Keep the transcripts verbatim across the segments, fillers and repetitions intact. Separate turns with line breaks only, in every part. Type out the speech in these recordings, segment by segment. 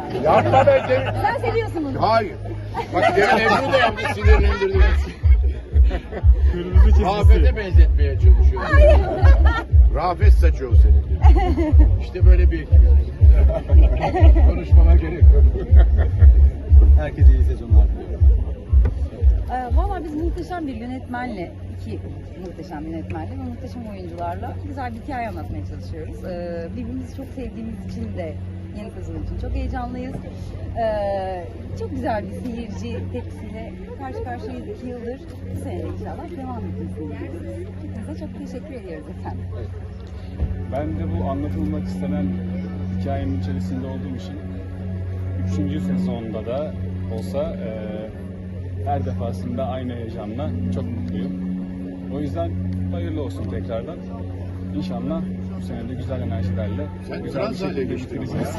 Yapma ben seni.
Sen seviyorsun bunu.
Hayır. Bak demin Ebru da yaptı, sinirlendirdi.
Kırmızı çizgisi.
Rafet'e benzetmeye çalışıyor. Rafet saçı o senin. İşte böyle bir ekibiz. Konuşmama gerek yok.
Herkese iyi sezonlar diliyorum.
Ee, Valla biz muhteşem bir yönetmenle, iki muhteşem yönetmenle ve muhteşem oyuncularla güzel bir hikaye anlatmaya çalışıyoruz. Ee, birbirimizi çok sevdiğimiz için de yeni sezon için çok heyecanlıyız. Ee, çok güzel bir seyirci tepkisiyle karşı karşıyayız iki yıldır. Bu sene de inşallah devam etmesini diliyoruz. Hepinize çok teşekkür ediyoruz efendim.
Ben de bu anlatılmak istenen hikayenin içerisinde olduğum için üçüncü sezonda da olsa e, her defasında aynı heyecanla çok mutluyum. O yüzden hayırlı olsun tekrardan. İnşallah bu sene de güzel enerjilerle
Sen
güzel bir
trans hale
şekilde
geçtin.
bitireceğiz.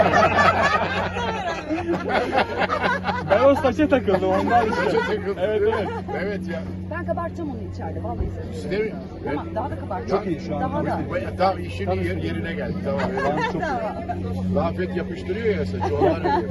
Ben o saça takıldım ondan işte.
Saça takıldın,
Evet
değil
evet.
mi? Evet ya.
Ben kabartacağım onu içeride vallahi söylüyorum.
Değil mi?
Tamam, daha da kabartacağım.
Çok iyi şu an.
Daha da.
Tamam, işin yer, yerine geldi. Tamam.
Ben çok
Tamam.
Rafet yapıştırıyor ya saçı. Onlar öyle.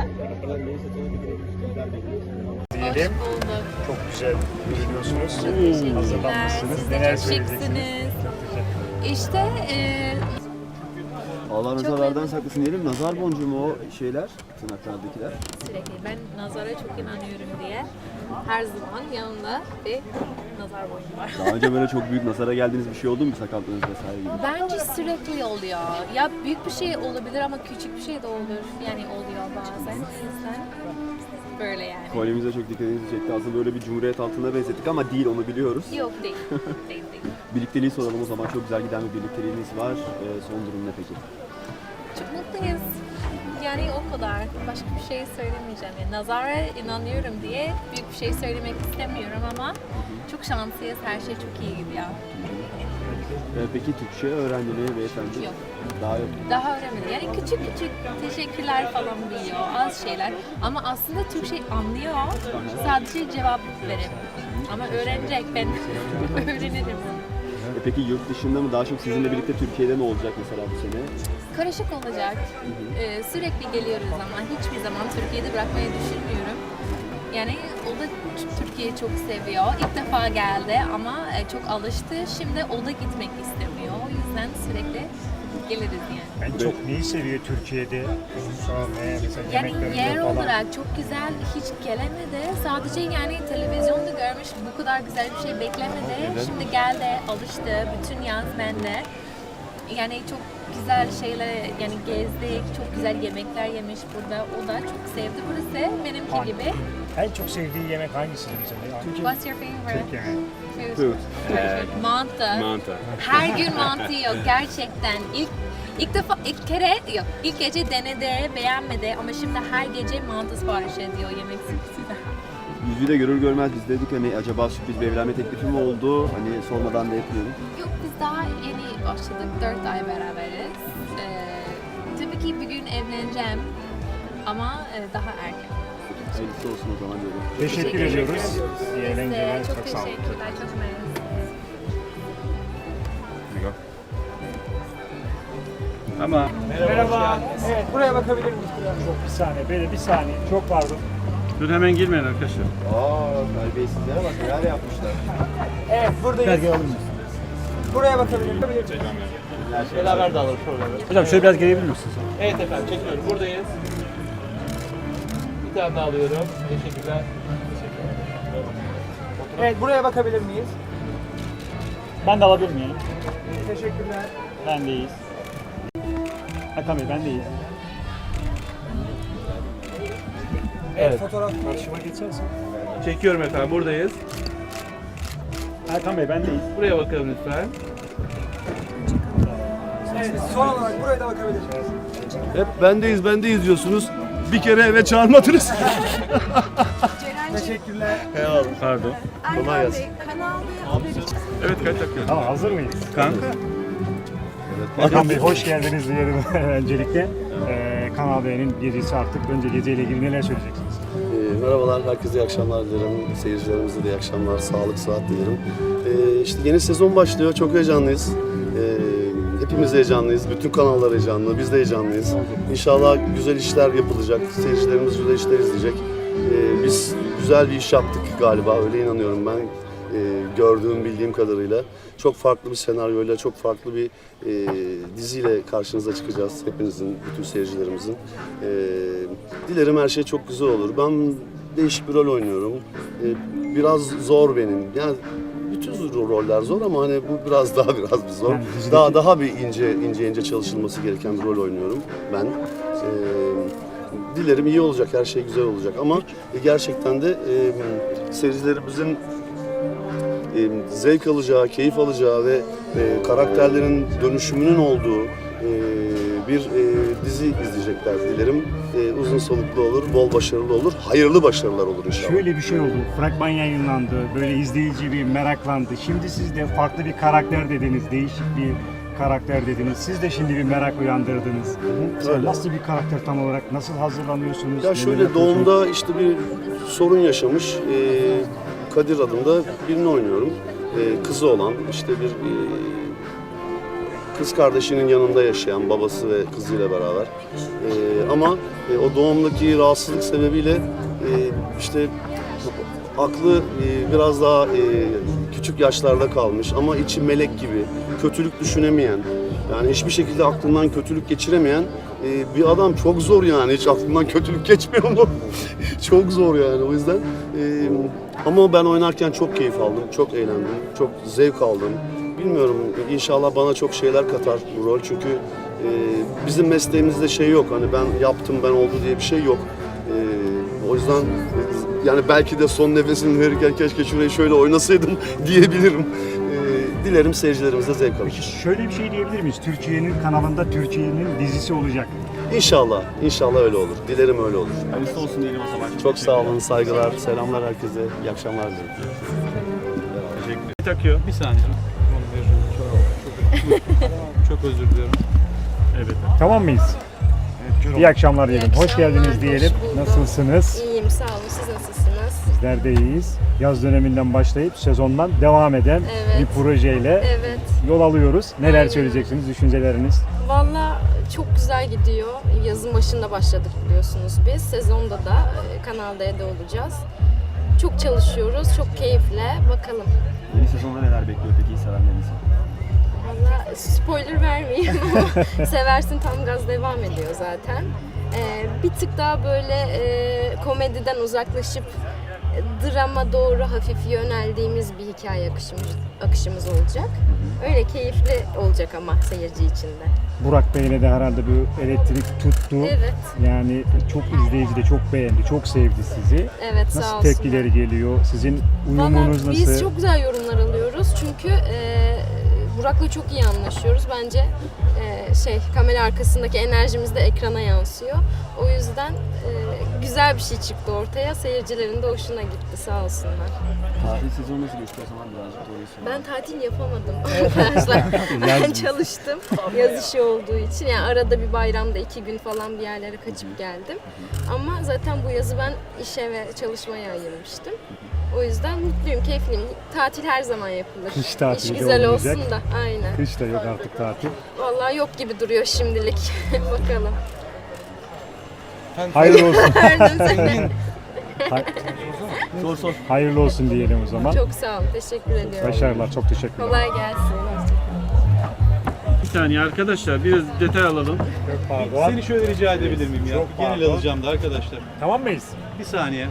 Diyelim. Çok güzel görünüyorsunuz. Hazırlanmışsınız.
Siz
Neler
de çok
söyleyeceksiniz?
şıksınız. İşte e,
Allah
Çok
nazarlardan
memnun.
saklasın diyelim. Nazar boncuğu mu o şeyler? Tırnaklardakiler.
sürekli ben nazara çok inanıyorum diye her zaman yanımda bir nazar boyum var.
Daha önce böyle çok büyük nazara geldiğiniz bir şey oldu mu? Sakatlığınız vesaire gibi.
Bence sürekli oluyor. Ya büyük bir şey olabilir ama küçük bir şey de olur. Yani oluyor bazen. O yüzden böyle yani.
Kolyemize çok dikkatinizi çekti. Aslında böyle bir cumhuriyet altına benzettik ama değil, onu biliyoruz.
Yok değil. Değil değil.
Birlikteliği soralım o zaman. Çok güzel giden bir birlikteliğiniz var. Ee, son durum ne peki?
Çok mutluyuz. Yani o kadar. Başka bir şey söylemeyeceğim. Yani nazara inanıyorum diye büyük bir şey söylemek istemiyorum ama çok şanslıyız. Her şey çok iyi gidiyor.
Ee, peki Türkçe öğrendi mi beyefendi?
Yok.
Daha yok.
Daha öğrenmedi. Yani küçük küçük teşekkürler falan biliyor. Az şeyler. Ama aslında Türkçe anlıyor. Sadece cevap verip. Ama öğrenecek. Ben öğrenirim.
Ee, peki yurt dışında mı? Daha çok sizinle birlikte Türkiye'de mi olacak mesela bu sene?
Karışık olacak. Ee, sürekli geliyoruz ama hiçbir zaman Türkiye'de bırakmayı düşünmüyorum. Yani o da Türkiye'yi çok seviyor. İlk defa geldi ama e, çok alıştı. Şimdi o da gitmek istemiyor. O yüzden sürekli geliriz yani.
En çok neyi seviyor Türkiye'de? Şu an ne? Mesela
Yani
yemeklerinde
yer
falan.
olarak çok güzel, hiç gelemedi. Sadece yani televizyonda görmüş, bu kadar güzel bir şey beklemedi. Şimdi geldi, alıştı, bütün yaz bende. Yani çok güzel şeyler, yani gezdik, çok güzel yemekler yemiş burada. O da çok sevdi burası, benimki
Hangi-
gibi.
En çok sevdiği yemek hangisi mesela?
What's your favorite
Türk yemeği.
food?
Food.
Mantı.
Mantı.
Her gün mantı yok gerçekten. İlk ilk defa ilk kere yok. İlk gece denedi, beğenmedi ama şimdi her gece mantı sipariş ediyor yemek sepetinden.
Yüzüğü de görür görmez biz dedik hani acaba sürpriz bir evlenme teklifi mi oldu? Hani sormadan da etmiyorum.
Yok biz daha yeni başladık. Dört ay beraberiz. Ee, tabii ki bir gün evleneceğim ama e, daha erken.
Hayırlısı olsun o zaman diyorum.
Teşekkür ediyoruz. İyi
Biz
eğlenceler.
de çok,
Çok sağ olun.
teşekkürler. Çok memnunum.
Ama
Merhaba. Evet, buraya bakabilir miyiz? Çok bir saniye, böyle bir saniye. Çok pardon.
dur hemen girmeyin arkadaşlar.
Aa, terbiyesizlere bak neler yapmışlar.
Evet, buradayız. Buraya bakabilir miyim?
Beraber de alalım şöyle.
Hocam şöyle biraz gelebilir misiniz?
Evet efendim çekiyorum. Buradayız. Bir tane daha alıyorum. Teşekkürler.
Evet, buraya bakabilir miyiz? Ben de alabilir miyim? Teşekkürler. Ben de iyiyiz. Hakan Bey, ben de iyiyiz. Evet, fotoğraf karşıma geçersin.
Çekiyorum efendim. Buradayız.
Hakan Bey, ben de iyiyiz.
Buraya bakalım lütfen.
Evet, son olarak buraya da bakabilirsiniz.
Hep bendeyiz bendeyiz diyorsunuz. Bir kere eve çağırmadınız.
Teşekkürler.
Pardon.
Kolay gelsin.
Evet kaç dakika?
Tamam, hazır mıyız?
Kanka.
Hakan Bey, hoş geldiniz diyelim öncelikle. Ee, Kanal D'nin gecesi artık. Önce geceyle ilgili neler söyleyeceksiniz?
Ee, merhabalar, herkese iyi akşamlar dilerim. Seyircilerimize de iyi akşamlar, sağlık, sıhhat dilerim. Ee, işte yeni sezon başlıyor, çok heyecanlıyız. Ee, Hepimiz heyecanlıyız. Bütün kanallar heyecanlı. Biz de heyecanlıyız. İnşallah güzel işler yapılacak. Seyircilerimiz güzel işler izleyecek. Ee, biz güzel bir iş yaptık galiba. Öyle inanıyorum ben. Ee, gördüğüm, bildiğim kadarıyla. Çok farklı bir senaryoyla, çok farklı bir e, diziyle karşınıza çıkacağız. Hepinizin, bütün seyircilerimizin. Ee, dilerim her şey çok güzel olur. Ben değişik bir rol oynuyorum. Ee, biraz zor benim. Yani bütün roller zor ama hani bu biraz daha biraz bir zor.
Yani dizideki-
Daha daha bir ince ince ince çalışılması gereken bir rol oynuyorum ben. Ee, dilerim iyi olacak, her şey güzel olacak ama gerçekten de e, seyircilerimizin e, zevk alacağı, keyif alacağı ve e, karakterlerin dönüşümünün olduğu e, bir e, dizi izleyecekler dilerim. E, uzun soluklu olur, bol başarılı olur, hayırlı başarılar olur inşallah.
Şöyle bir şey oldu. Fragman yayınlandı. Böyle izleyici bir meraklandı. Şimdi siz de farklı bir karakter dediniz. Değişik bir karakter dediniz. Siz de şimdi bir merak uyandırdınız. Sen
öyle.
nasıl bir karakter tam olarak? Nasıl hazırlanıyorsunuz?
Ya
Neler
şöyle
yapıyorsunuz?
doğumda işte bir sorun yaşamış e, Kadir adında birini oynuyorum. E, kızı olan işte bir e, kız kardeşinin yanında yaşayan babası ve kızıyla beraber. E, ama e, o doğumdaki rahatsızlık sebebiyle e, işte aklı e, biraz daha e, küçük yaşlarda kalmış ama içi melek gibi, kötülük düşünemeyen, yani hiçbir şekilde aklından kötülük geçiremeyen e, bir adam. Çok zor yani, hiç aklından kötülük geçmiyor mu? Çok zor yani, o yüzden. E, ama ben oynarken çok keyif aldım, çok eğlendim, çok zevk aldım. Bilmiyorum, inşallah bana çok şeyler katar bu rol çünkü e, bizim mesleğimizde şey yok, hani ben yaptım, ben oldu diye bir şey yok. E, o yüzden e, yani belki de son nefesimi verirken keşke şurayı şöyle oynasaydım diyebilirim. E, dilerim seyircilerimiz de zevk alır.
Peki şöyle bir şey diyebilir miyiz? Türkiye'nin kanalında Türkiye'nin dizisi olacak.
İnşallah, inşallah öyle olur. Dilerim öyle olur.
Hayırlısı olsun diyelim o zaman.
Çok sağ olun, saygılar, selamlar herkese, iyi akşamlar dilerim.
Takıyor. Bir saniye. Çok, çok özür diliyorum.
Evet. Tamam mıyız? İyi akşamlar diyelim. Hoş geldiniz diyelim. Nasılsınız?
İyiyim, sağ olun. Siz nasılsınız?
Bizler de iyiyiz. Yaz döneminden başlayıp sezondan devam eden
Evet.
bir projeyle
Evet.
yol alıyoruz. Neler
Aynen.
söyleyeceksiniz, düşünceleriniz?
Valla çok güzel gidiyor. Yazın başında başladık biliyorsunuz biz. Sezonda da e, Kanal D'de olacağız. Çok çalışıyoruz, çok keyifle. Bakalım.
Yeni sezonda neler bekliyor peki sevenleriniz?
Valla spoiler vermeyeyim ama Seversin tam gaz devam ediyor zaten. Ee, bir tık daha böyle e, komediden uzaklaşıp e, drama doğru hafif yöneldiğimiz bir hikaye akışımız, akışımız olacak. Öyle keyifli olacak ama seyirci için de.
Burak Bey'le de herhalde bir elektrik tuttu.
Evet.
Yani çok izleyici de çok beğendi, çok sevdi sizi.
Evet, sağ
Nasıl
olsunlar.
tepkileri geliyor? Sizin
Valla
uyumunuz nasıl?
biz çok güzel yorumlar alıyoruz çünkü e, Burak'la çok iyi anlaşıyoruz. Bence e, şey kamera arkasındaki enerjimiz de ekrana yansıyor. O yüzden e, güzel bir şey çıktı ortaya. Seyircilerin de hoşuna gitti, sağ olsunlar.
Tatil sezonu nasıl geçti o zaman birazcık doğruyu söyle.
Ben tatil yapamadım arkadaşlar. Ben çalıştım yaz işi olduğu için. Yani arada bir bayramda iki gün falan bir yerlere kaçıp geldim. Ama zaten bu yazı ben işe ve çalışmaya ayırmıştım. O yüzden mutluyum, keyifliyim. Tatil her zaman yapılır.
Kış tatili
İş
de
güzel
olmayacak.
olsun da, aynen.
Kış da yok artık tatil.
Vallahi yok gibi duruyor şimdilik. Bakalım.
Hayırlı olsun.
Pardon seni.
Hay-
Sor sor.
Hayırlı olsun diyelim o zaman.
Çok sağ olun, teşekkür ediyorum.
Başarılar, çok teşekkürler.
Kolay gelsin.
Bir saniye arkadaşlar biraz detay alalım.
Pardon.
Seni şöyle rica edebilir miyim ya?
Çok
Genel
pardon.
alacağım da arkadaşlar.
Tamam mıyız?
Bir saniye.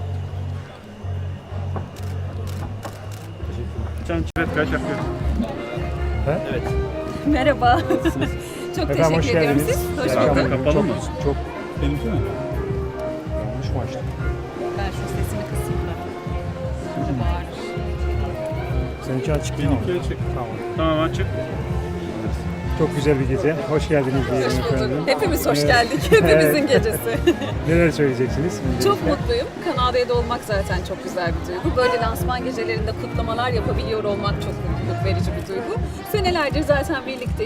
Sen evet kaç yapıyorsun?
Evet.
Merhaba. Çok
Efendim hoş
teşekkür ediyorum.
geldiniz.
Siz hoş
İyi
bulduk.
akşamlar.
Kapalı
çok,
mı?
Çok
Benimki mi?
yanlış mı açtım?
Ben şu sesini kısayım da. Çok bağırır.
Seninki açık değil mi?
Benimki açık.
Tamam.
Tamam açık.
Çok güzel bir gece. Hoş geldiniz diyelim efendim.
Hepimiz hoş
Evet.
geldik. Hepimizin gecesi.
Neler söyleyeceksiniz?
Çok mutluyum. Kanal D'de olmak zaten çok güzel bir duygu. Böyle lansman gecelerinde kutlamalar yapabiliyor olmak çok mutluluk verici bir duygu. Senelerdir zaten birlikteyiz.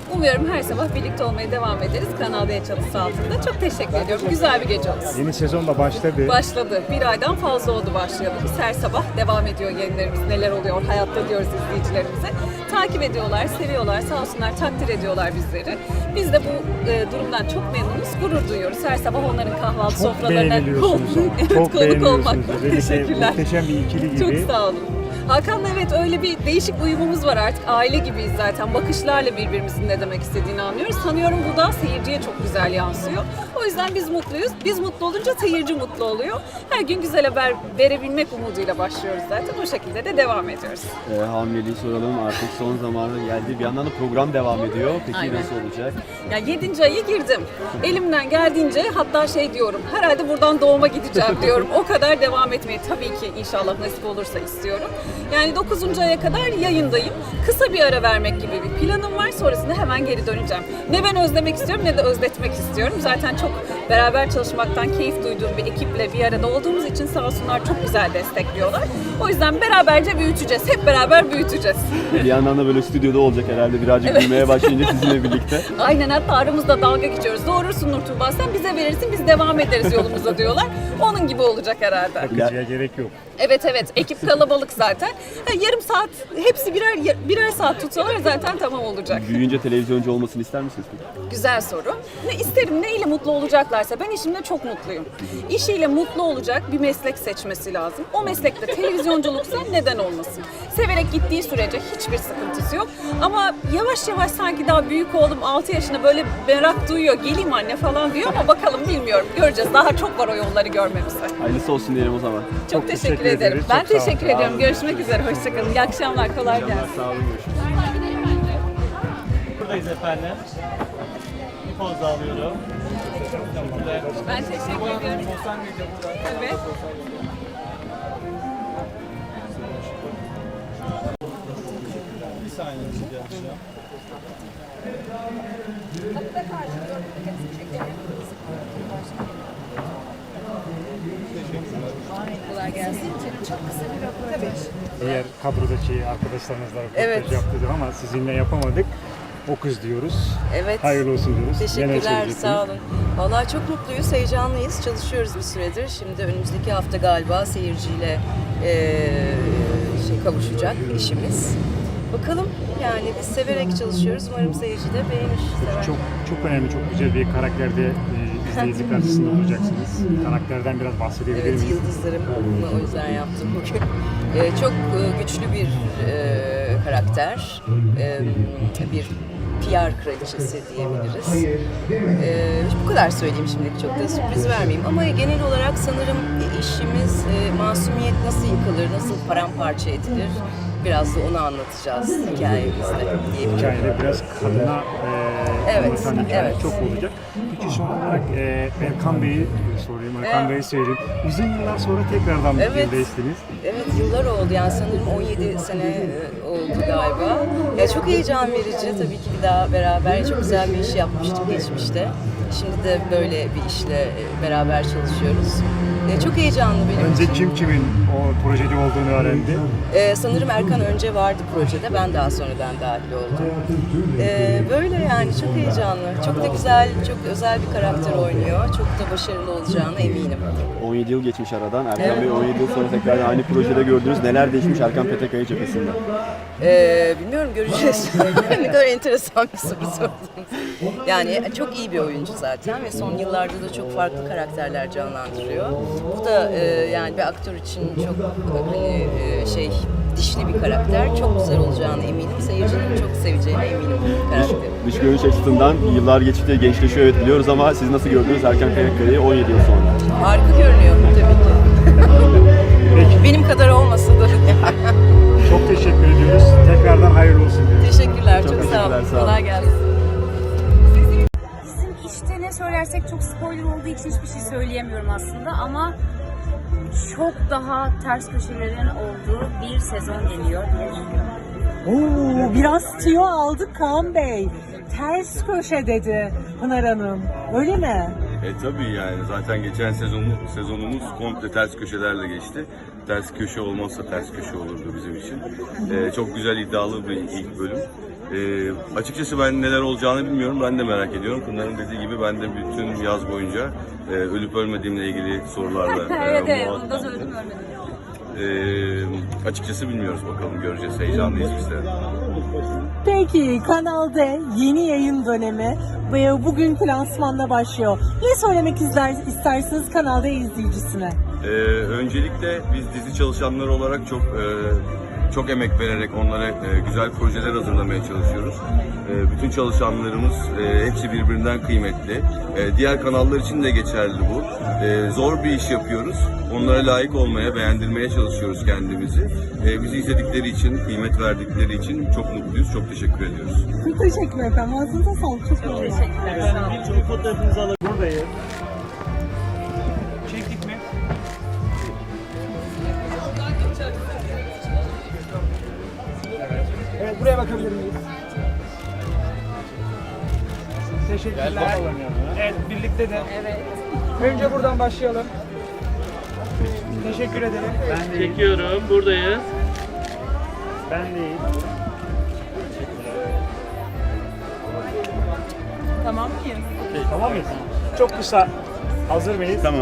Umuyorum her sabah birlikte olmaya devam ederiz Kanal D çatısı altında. Çok teşekkür ediyorum. Güzel bir gece olsun.
Yeni sezon da başladı.
Başladı. Bir aydan fazla oldu başlayalı. Biz her sabah devam ediyor yayınlarımız. Neler oluyor hayatta diyoruz izleyicilerimize. Takip ediyorlar, seviyorlar, sağ olsunlar takdir ediyorlar bizleri. Biz de bu e, durumdan çok memnunuz, gurur duyuyoruz. Her sabah onların kahvaltı
Çok
sofralarına
beğeniliyorsunuz ama.
evet,
Çok
konuk olmak.
beğeniliyorsunuz. Özellikle
Teşekkürler.
muhteşem bir ikili gibi.
Çok sağ olun. Hakan'la evet öyle bir değişik uyumumuz var artık. Aile gibiyiz zaten. Bakışlarla birbirimizin ne demek istediğini anlıyoruz. Sanıyorum bu da seyirciye çok güzel yansıyor. O yüzden biz mutluyuz. Biz mutlu olunca seyirci mutlu oluyor. Her gün güzel haber verebilmek umuduyla başlıyoruz zaten. O şekilde de devam ediyoruz.
E, hamileliği soralım, artık son zamanı geldi. Bir yandan da program devam ediyor. Peki
Aynen.
nasıl olacak?
Ya yedinci ayı girdim. Elimden geldiğince hatta şey diyorum. Herhalde buradan doğuma gideceğim diyorum. O kadar devam etmeyi tabii ki inşallah nasip olursa istiyorum. Yani dokuzuncu aya kadar yayındayım. Kısa bir ara vermek gibi bir planım var. Sonrasında hemen geri döneceğim. Ne ben özlemek istiyorum ne de özletmek istiyorum. Zaten çok beraber çalışmaktan keyif duyduğum bir ekiple bir arada olduğumuz için sağ olsunlar çok güzel destekliyorlar. O yüzden beraberce büyüteceğiz. Hep beraber büyüteceğiz.
Bir yandan da böyle stüdyoda olacak herhalde birazcık büyümeye başlayınca sizinle birlikte.
Aynen, hatta aramızda dalga geçiyoruz. Doğurursun Nur Tuğba, sen bize verirsin biz devam ederiz yolumuza diyorlar. Onun gibi olacak herhalde.
Bakıcıya gerek yok.
Evet evet, ekip kalabalık zaten. Ha, yarım saat hepsi birer birer saat tutsalar zaten tamam olacak.
Büyüyünce televizyoncu olmasını ister misiniz peki?
Güzel soru. Ne isterim, neyle mutlu olacaklarsa. Ben işimde çok mutluyum. İşiyle mutlu olacak bir meslek seçmesi lazım. O meslekte televizyonculuksa neden olmasın? Severek gittiği sürece hiçbir sıkıntısı yok. Ama yavaş yavaş sanki daha büyük oğlum altı yaşında böyle merak duyuyor. Geleyim anne falan diyor ama bakalım, bilmiyorum. Göreceğiz. Daha çok var o yolları görmemize.
Hayırlısı olsun diyelim o zaman.
Çok,
Çok
teşekkür,
teşekkür
ederim.
ederiz.
Ben
Çok sağ olun.
teşekkür ediyorum. Görüşmek üzere. Hoşçakalın. İyi akşamlar. Kolay gelsin.
Sağ olun, görüşürüz.
Buradayız efendim. Bir poz daha alıyorum.
Ben teşekkür ediyorum. Evet.
Bir saniye rica edeceğim.
Kolay gelsin. Çok kısa bir röportaj.
Diğer kadrodaki arkadaşlarımızla röportaj
Evet.
yaptık ama sizinle yapamadık. O kız diyoruz.
Evet.
Hayırlı olsun diyoruz. Neler
Teşekkürler,
söyleyeceksiniz?
sağ olun. Vallahi çok mutluyuz, heyecanlıyız. Çalışıyoruz bir süredir. Şimdi önümüzdeki hafta galiba seyirciyle eee şey kavuşacak işimiz. Bakalım, yani biz severek çalışıyoruz. Umarım seyirci de beğenir. Sever.
Çok çok önemli, çok güzel bir karakterde e, izleyici karşısında olacaksınız. Karakterden biraz bahsedebilir
Evet,
miyiz?
yıldızlarım o yüzden yaptım bugün. Ee, çok e, güçlü bir e, karakter, e, bir P R kraliçesi diyebiliriz. E, bu kadar söyleyeyim şimdilik, çok da sürpriz vermeyeyim. Ama genel olarak sanırım işimiz e, masumiyet nasıl yıkılır, nasıl paramparça edilir, biraz da onu anlatacağız hikayemizde diyebilirim.
Hikayede biraz kadına e,
Evet,
anlatan hikaye
evet.
çok olacak. Peki son olarak e, Erkan Bey'i sorayım, Erkan
Evet.
Bey'i söyleyeyim. Uzun yıllar sonra tekrardan bir
Evet.
filmdeysiniz.
Evet, yıllar oldu yani, sanırım on yedi sene e, oldu galiba. Ya çok heyecan verici tabii ki, bir daha beraber çok güzel bir iş yapmıştık geçmişte. Şimdi de böyle bir işle e, beraber çalışıyoruz. E, çok heyecanlı benim
Önce
için.
kim kimin o projede olduğunu öğrendi.
E, sanırım Erkan önce vardı projede, ben daha sonradan dahil oldum. E, böyle yani, çok heyecanlı, çok da güzel, çok özel bir karakter oynuyor. Çok da başarılı olacağına eminim.
on yedi yıl geçmiş aradan. Erkan Bey on yedi yıl sonra tekrar aynı projede gördünüz. Neler değişmiş Erkan Petekkaya cephesinde?
Ee, bilmiyorum, göreceğiz. Ne kadar enteresan bir soru sordunuz. Yani çok iyi bir oyuncu zaten ve son yıllarda da çok farklı karakterler canlandırıyor. Bu da e, yani bir aktör için çok hani e, şey dişli bir karakter. Çok güzel olacağına eminim. Seyircinin çok seveceğine eminim karakteri.
Dış görünüş açısından yıllar geçtikçe gençleşiyor evet biliyoruz ama siz nasıl gördünüz Erkan Petekkaya'yı on yedi yıl sonra?
Harika görünüyor tabii ki. Benim kadar olmasa da.
Çok teşekkür ediyoruz. Tekrardan hayırlı olsun diyoruz.
Teşekkürler, çok,
Çok
sağ olun.
teşekkürler, sağ olun.
Kolay gelsin.
Bizim işte ne söylersek çok spoiler olduğu için hiçbir şey söyleyemiyorum aslında ama çok daha ters köşelerin olduğu bir sezon geliyor diye düşünüyorum.
Oo, biraz tüyo aldık Kaan Bey. Ters köşe dedi Pınar Hanım. Öyle mi?
E tabii yani zaten geçen sezonumuz, sezonumuz komple ters köşelerle geçti. Ters köşe olmazsa ters köşe olurdu bizim için. E, çok güzel iddialı bir ilk bölüm. Ee, açıkçası ben neler olacağını bilmiyorum. Ben de merak ediyorum. Pınar'ın dediği gibi ben de bütün yaz boyunca e, ölüp ölmediğimle ilgili sorularla e,
Evet evet,
muhatap-
onu da söyledim ölmedim.
Ee, açıkçası bilmiyoruz, bakalım göreceğiz. Heyecanlıyız biz de.
Peki Kanal D yeni yayın dönemi ve bugün lansmanla başlıyor. Ne söylemek ister, istersiniz Kanal D izleyicisine?
Ee, öncelikle biz dizi çalışanları olarak çok e, çok emek vererek onlara e, güzel projeler hazırlamaya çalışıyoruz. E, bütün çalışanlarımız e, hepsi birbirinden kıymetli. E, diğer kanallar için de geçerli bu. E, zor bir iş yapıyoruz. Onlara layık olmaya, beğendirmeye çalışıyoruz kendimizi. E, bizi izledikleri için, kıymet verdikleri için çok mutluyuz. Çok teşekkür ediyoruz.
Çok teşekkür ederim. Ağzınıza sağlık. Çok teşekkürler. Sağ olun.
Bir fotoğrafınızı alabilir miyim?
Buradayız. Çektik mi?
Evet, buraya bakabilir miyiz? Teşekkürler. Evet, birlikte de. Evet. Önce buradan başlayalım. Teşekkür ederim.
Ben değil.
Çekiyorum. Buradayız.
Ben değil.
Tamam mıyız?
Tamam mıyız? Çok kısa. Hazır mıyız?
Tamam.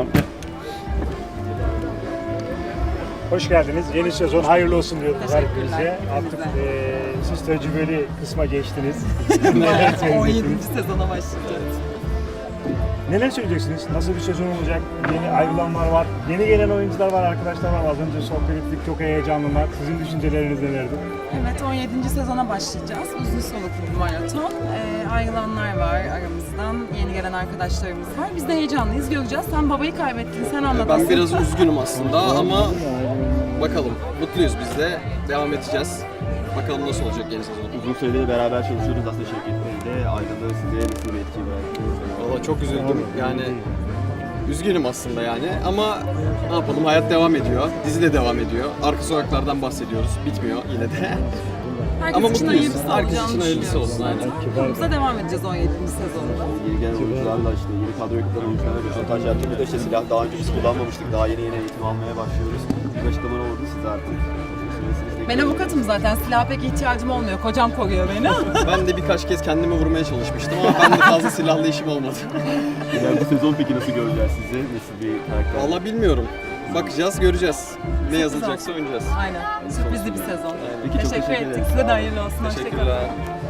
Hoş geldiniz. Yeni sezon hayırlı olsun diyoruz
Teşekkürler.
herkese. Artık
Hepinize.
eee siz tecrübeli kısma geçtiniz. Neler
on
söyleyeceksiniz?
yedinci sezona başlayacağız.
Neler söyleyeceksiniz? Nasıl bir sezon olacak? Yeni ayrılanlar var. Yeni gelen oyuncular var, arkadaşlar var. Az önce sohbet ettik. Çok heyecanlılar. Sizin düşünceleriniz nelerdi?
Evet, on yedinci sezona başlayacağız. Uzun soluklu bir maraton. Ee, ayrılanlar var aramızdan. Yeni gelen arkadaşlarımız var. Biz de heyecanlıyız. Göreceğiz. Sen babayı kaybettin. Sen anlat.
Ben biraz üzgünüm aslında ama bakalım. Mutluyuz biz de. Devam edeceğiz. Bakalım nasıl olacak yeni sezon.
Uzun süredir beraber çalışıyoruz aslında Şevket Bey de. Ayrılığı size nasıl bir etki bıraktı?
Valla çok üzüldüm. Yani üzgünüm aslında yani ama ne yapalım, hayat devam ediyor. Dizi de devam ediyor. Arka sokaklardan bahsediyoruz. Bitmiyor yine de.
Herkes
Ama
için
mutluyuz.
hayırlısı
Herkes
olacağını
için hayırlısı
düşünüyoruz
olsun, aynen.
zaten. Yolumuza devam edeceğiz on yedinci sezonda.
Yeni gelen oyuncularla işte yeni kadroya katılan oyuncularla röportaj yaptık. Bir de işte silah daha önce biz kullanmamıştık. Daha yeni yeni eğitim almaya başlıyoruz. Bir açıklama oldu siz artık.
Ben avukatım zaten. Silaha pek ihtiyacım olmuyor. Kocam koruyor beni.
Ben de birkaç kez kendime vurmaya çalışmıştım ama ben de fazla silahlı işim olmadı.
Yani bu sezon peki nasıl göreceğiz sizi? Nasıl bir karakter?
Valla bilmiyorum. Bakacağız, göreceğiz. Ne yazılacaksa oynayacağız.
Aynen. Sürprizli bir sezon.
Peki, çok
teşekkür
teşekkür
ettik.
ederim.
Size de hayırlı olsun. Hoşçakalın.
Teşekkürler.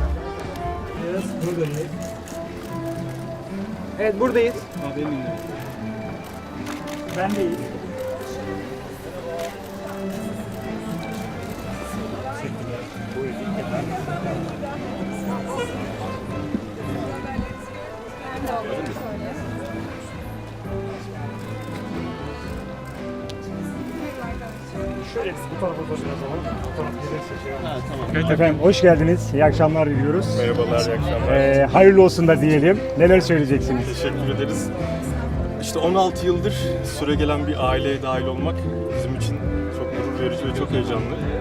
Evet, buradayız.
Ben değil. Şöyle bu tarafa doğru biraz alalım. Bu taraf gelirse şey Efendim hoş geldiniz. İyi akşamlar diliyoruz.
Merhabalar, iyi akşamlar.
Ee, hayırlı olsun da diyelim. Neler söyleyeceksiniz?
Teşekkür ederiz. İşte on altı yıldır süre gelen bir aileye dahil olmak bizim için çok gurur verici ve çok heyecanlı.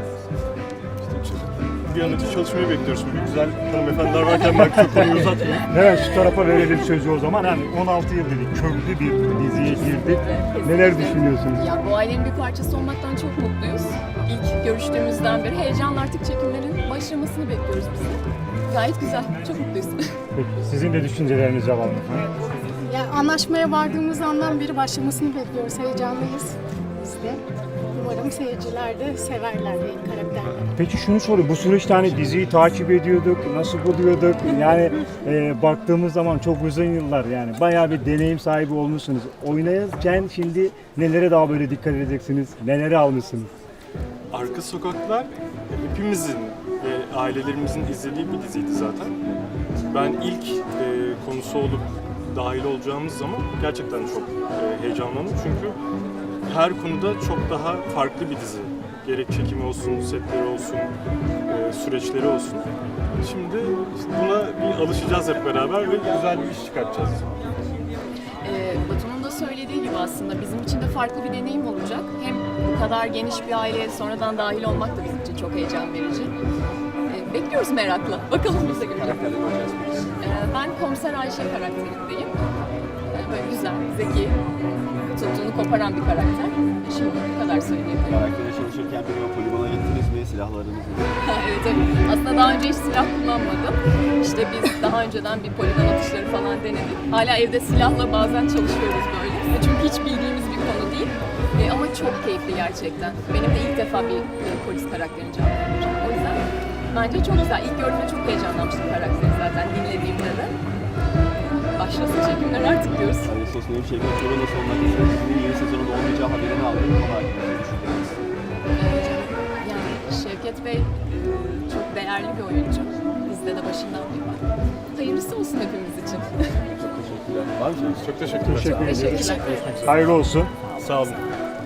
İşte bir an önce çalışmayı bekliyoruz. Şimdi güzel hanımefendiler varken ben çok konuyu uzatmayayım.
Evet şu tarafa verelim sözü o zaman. Hani on altı yıl dedik, köklü bir diziye girdik. Neler düşünüyorsunuz?
Ya bu ailenin bir parçası olmaktan çok mutluyuz. İlk görüştüğümüzden beri heyecanla artık çekimlerin başlamasını bekliyoruz biz de. Gayet güzel, çok mutluyuz.
Peki, sizin de düşüncelerinizi alalım.
Ya anlaşmaya vardığımız andan beri başlamasını bekliyoruz. Heyecanlıyız biz de. Umarım seyirciler de severler benim karakterleri.
Peki şunu sorayım, bu süreçte hani diziyi takip ediyorduk, nasıl buluyorduk? Yani e, baktığımız zaman çok uzun yıllar yani bayağı bir deneyim sahibi olmuşsunuz. Oynarken şimdi nelere daha böyle dikkat edeceksiniz, neleri almışsınız?
Arka Sokaklar hepimizin ve ailelerimizin izlediği bir diziydi zaten. Ben ilk e, konusu olup dahil olacağımız zaman gerçekten çok e, heyecanlandım çünkü her konuda çok daha farklı bir dizi. Gerek çekimi olsun, setleri olsun, e, süreçleri olsun. Şimdi buna bir alışacağız hep beraber ve güzel bir iş çıkartacağız.
Ee, Batu'nun da söylediği gibi aslında bizim için de farklı bir deneyim olacak. Hem bu kadar geniş bir aileye sonradan dahil olmak da bizim için çok heyecan verici. Ee, bekliyoruz merakla. Bakalım biz de göreceğiz. Ee, ben Komiser Ayşe karakterindeyim. Ee, böyle güzel, zeki, tuttuğunu koparan bir karakter. Şimdi bu kadar söyleyebilirim.
Karaktere çalışırken bir poligona gittiniz mi? mi? Silahlarınız mı?
Evet, evet. Aslında daha önce hiç silah kullanmadım. İşte biz daha önceden bir poligon atışları falan denedik. Hala evde silahla bazen çalışıyoruz böyle. Çünkü hiç bildiğimiz bir konu değil. E, ama çok keyifli gerçekten. Benim de ilk defa bir e, polis karakterini canlandıracağım. O yüzden bence çok güzel. İlk gördüğümde çok heyecanlanmıştım karakteri zaten dinlediğimde de. Başlasın çekimler artık diyoruz.
Yani sosyal bir şey yok. Korona sonuna kadar dizinin yeni sezonunda olmayacağı haberini aldım. Ama hakkında düşündünüz.
Yani Şevket Bey e, çok değerli bir oyuncu. Bizde de başından beri var. Hayırlısı olsun hepimiz için.
Çok teşekkürler. Var mı?
Çok teşekkürler.
Teşekkür
Teşekkür
ederiz.
ederim.
Hayırlı olsun.
Sağ olun.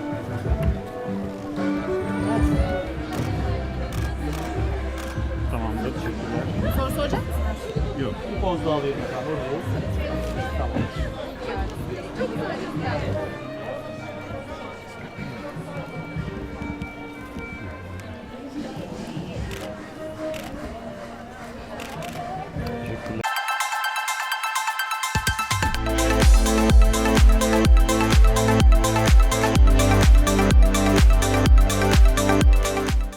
Tamamdır. Teşekkürler.
Soru soracak mısın?
Yok. Bir poz daha alayım. Tamam.
Çok güzel.